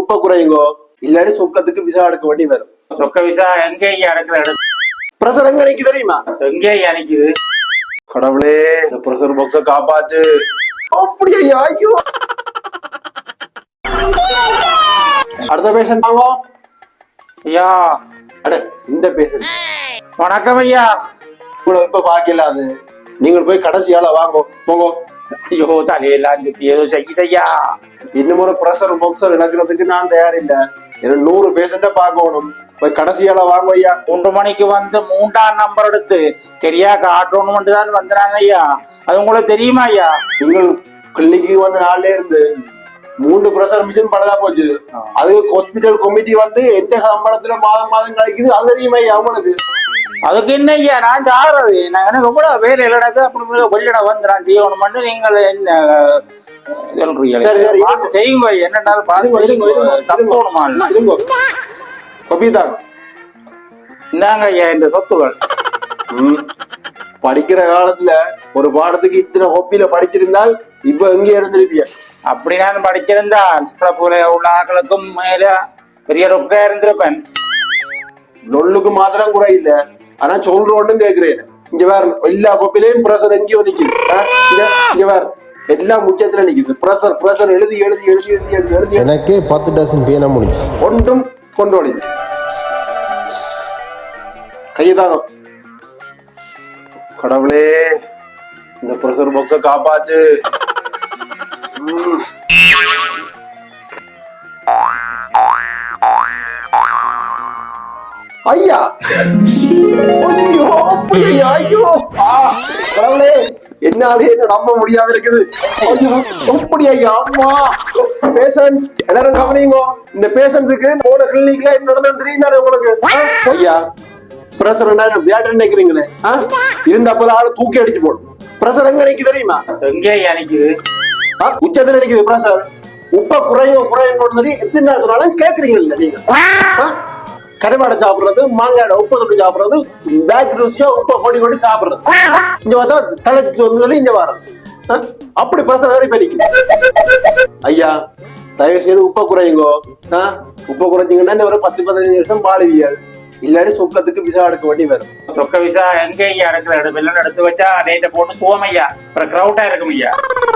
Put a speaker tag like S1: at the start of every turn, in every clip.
S1: உப்ப குறையுங்கோ, இல்லாடி சொக்கத்துக்கு விசா எடுக்க வேண்டி வரும்.
S2: சொக்க விசா எங்க அடக்குற இடம்
S1: பிரஷர் எங்க நிக்கு தெரியுமா?
S2: எங்க நிக்குது?
S1: கடவுளே, இந்த பிரஷர் பாக்ஸ காப்பாத்து. அப்படியா? ஐயோ, அடுத்த பேஷண்ட் வாங்க
S2: ஐயா.
S1: அட, இந்த பேஷண்ட்
S2: வணக்கம் ஐயா.
S1: இப்ப பாக்கல, அது நீங்கள் போய் கடைசியால வாங்க போங்க.
S2: ஐயோ, தலையெல்லாம் சுத்தி ஏதோ செய்யுதையா.
S1: இன்னும் ஒரு பிரஷர் பாக்ஸர் இழக்கிறதுக்கு நான் தயார் இல்ல. 100 பேஷண்ட பாக்கணும். போய் கடைசியால வாங்க ஐயா.
S2: 3 மணிக்கு வந்து 3ஆம் நம்பர் எடுத்து சரியா காட்டணும் தான் வந்துறாங்க ஐயா. அது உங்களுக்கு தெரியுமா ஐயா?
S1: நீங்கள் கிளினிக்கு வந்த நாள்ல இருந்து 3 பிரஷர் மிஷின் பழுதா போச்சு. அது ஹாஸ்பிட்டல் கமிட்டி வந்து எந்த சம்பளத்துல மாதம் கழிக்குது அது தெரியுமா ஐயா அவங்களுக்கு?
S2: அதுக்கு என்ன ஐயா, நான் சாடுறது நான் எனக்கு கூட வேலை இல்லடக்கு அப்படி வெளியிட வந்து நான் செய்யணும்னு நீங்கள் என்ன சொல்றீங்க?
S1: சரி சரி,
S2: பார்த்து செய்யுங்க ஐயா. என்னன்னாலும் பார்த்து தப்பணுமா? இந்தாங்க ஐயா இந்த சொத்துகள்.
S1: படிக்கிற காலத்துல ஒரு பாடத்துக்கு இத்தனை ஹொப்பில படிச்சிருந்தால் இப்ப எங்க இருந்திருப்பிய?
S2: அப்படி நான் படிச்சிருந்தால் போல உள்ள ஆக்களுக்கும் மேல பெரிய டாக்டரா இருந்திருப்பேன்.
S1: நொல்லுக்கு மாத்திரம் கூட இல்ல, ஆனா சொல்றோன்னு கேக்குறேன். இங்க வேற எல்லா கொப்பிலையும் பிரஷர் எங்கேயோ நிக்குது. இங்க வேற எல்லாம் முச்சத்துல நிக்குது. பிரஷர் எழுதி எழுதி எழுதி எழுதி எழுதி எழுதி
S3: எனக்கே 10 டசன் பேன முடியும்.
S1: ஒன்றும் கொண்டோடி கையதாங்க. கடவுளே, இந்த பிரஷர் பாக்ஸ காப்பாத்து. ஐயா, ஐயோ, ஐயோ, கடவுளே, என்னாலே நம்ப முடியாம இருக்குது. அப்படி ஐயா, அம்மா பேஷன்ஸ் எல்லாரும் கவனிங்க. இந்த பேஷன்ஸுக்கு போன கிளினிக்ல என்ன நடந்தது தெரியுதானே உங்களுக்கு? ஐயா, பிரஷர் என்ன விளையாட்டு நினைக்கிறீங்களே, இருந்த அப்ப ஆளு தூக்கி அடிச்சு போடும். பிரஷர் எங்க நினைக்கு தெரியுமா?
S2: எங்கே நினைக்குது?
S1: உச்சத்துல நினைக்குது பிரஷர். உப்ப குறையும் சொல்லி எத்தனை நாள் கேக்குறீங்கல்ல நீங்க? கருவாடை சாப்பிடுறது, மாங்காய் உப்பை தொட்டு சாப்பிடுறது, பேக் ருசியா உப்பை கொடி சாப்பிடுறது, இங்க பார்த்தா தலைச்சு சொல்லி இங்க வர்றது. அப்படி பிரசர் வேற பண்ணிக்கு. ஐயா, தயவு செய்து உப்பை குறையுங்கோ. உப்பை குறைச்சிங்கன்னா ஒரு 10-15 வருஷம் பாடுவீர்கள். இல்லாடி சொக்கத்துக்கு விசா எடுக்க வேண்டி வரும்.
S2: சொக்க விசா எங்க அடக்குற இடம் எல்லாம் எடுத்து வச்சா நேற்று போட்டு சுவமையா அப்புறம் கிரௌட்டா இருக்கும் ஐயா.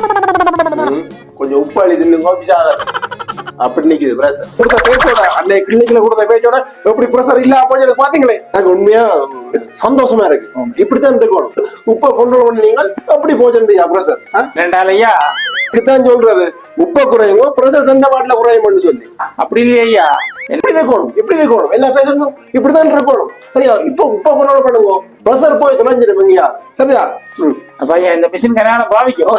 S1: கொஞ்சம் உப்பு அழி தின்னுங்க, விசா அப்படி நிக்குது பிரஷர். கொடுத்த பேச்சோட அன்னைக்கு கிளினிக்ல கொடுத்த பேச்சோட எப்படி பிரஷர் இல்ல போய் பாத்தீங்களே, எனக்கு உண்மையா சந்தோஷமா இருக்கு. இப்படித்தான் இருக்கணும். உப்பை கொண்டு பண்ணீங்க அப்படி போச்சு பிரஷர்.
S2: ரெண்டாலையா
S1: இதுதான் சொல்றது, உப்பை குறையுங்க பிரஷர் தண்ட பாட்டில குறையும் சொல்லி.
S2: அப்படி இல்லையா?
S1: எப்படி இருக்கணும் எல்லா பேஷண்டும் இப்படிதான் இருக்கணும். சரியா? இப்ப உப்பை கொண்டு பண்ணுங்க, பிரஷர் போய் தொலைஞ்சிருப்பீங்க. சரியா?
S2: அப்ப இந்த மிஷின் கனகாலம் பாவிக்கும்.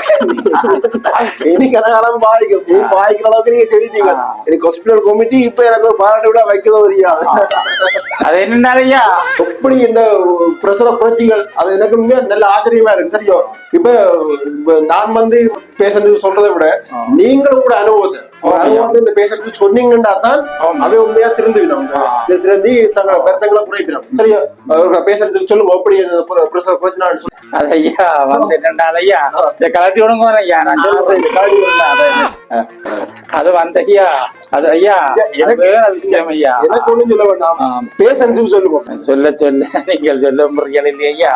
S1: இனி கனகாலம் பாவிக்கும். நீ பாவிக்கிற அளவுக்கு நீங்க செய்தீங்க. எனக்கு ஹாஸ்பிட்டல் கமிட்டி இப்ப எனக்கு பாராட்டு விட வைக்கிறதோ தெரியாது.
S2: அது என்னன்னாலயா
S1: எப்படி இந்த பிரஷரை குறைச்சிகள், அது எனக்கு உண்மையா நல்ல ஆச்சரியமா இருக்கு. சரியோ? இப்ப நான் வந்து பேஷண்ட் சொல்றதை விட நீங்களும் கூட அனுபவத்தை இந்த பேஷண்ட் சொன்னீங்கன்னா தான் அவை உண்மையா திருந்துவிடும். திருந்தி தங்களோட பெருத்தங்களை குறைப்பிடும். சரியா? பேஷண்ட் சொல்லுங்க எப்படி பிரஷர் குறைச்சினான்னு சொல்லி.
S2: அது ஐயா வந்து என்னண்டாலையா இந்த கலட்டி விடுங்க ஐயா. நான் அது வந்த ஐயா, அது ஐயா வேற விஷயம் ஐயா.
S1: எனக்கு ஒண்ணும் சொல்ல வேண்டாம், பேஷண்ட்ஸுக்கு சொல்லுவோம்.
S2: சொல்ல நீங்கள் சொல்ல முறைகள் இல்லையா?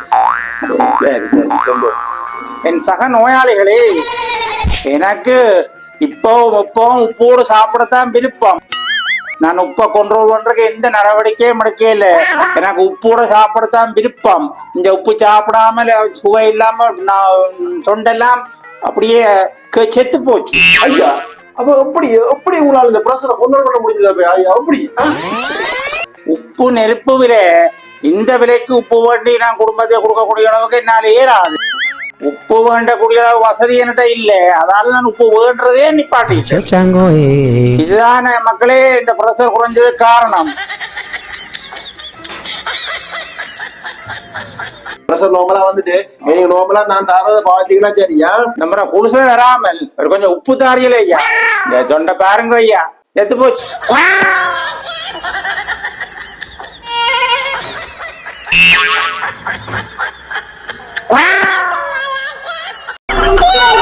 S2: என் சக நோயாளிகளே, எனக்கு இப்பவும் உப்போடு சாப்பிடத்தான் விருப்பம். நான் உப்பை கண்ட்ரோல் பண்றதுக்கு எந்த நடவடிக்கையும் எடுக்கல. எனக்கு உப்போட சாப்பிடத்தான் விருப்பம். இந்த உப்பு சாப்பிடாம சுவை இல்லாம தொண்டெல்லாம் அப்படியே செத்து போச்சு.
S1: ஐயா, அப்ப எப்படி உங்களால இந்த பிரஷரை கண்ட்ரோல் பண்ண முடிஞ்சது ஐயா? அப்படி
S2: உப்பு நெருப்பு விலை, இந்த விலைக்கு உப்பு வேண்டி நான் குடும்பத்தை கொடுக்கக்கூடிய அளவுக்கு என்னால ஏறாது. உப்பு வேண்டக்கூடிய வசதி என்கிட்ட இல்ல, அதால நான் உப்பு வேண்டதே நிப்பாட்டி. இதுதான் மக்களே இந்த பிரஷர் குறைஞ்சது காரணம்.
S1: பிரஷர் நோமலா வந்துட்டு நீங்க நோமலா நான் தாரத பாத்தீங்கன்னா சரியா?
S2: நம்ம குடிசை தராமல் ஒரு கொஞ்சம் உப்பு தாரியல ஐயா. இந்த தொண்டை பாருங்க ஐயா, எத்து போச்சு.
S4: Wow!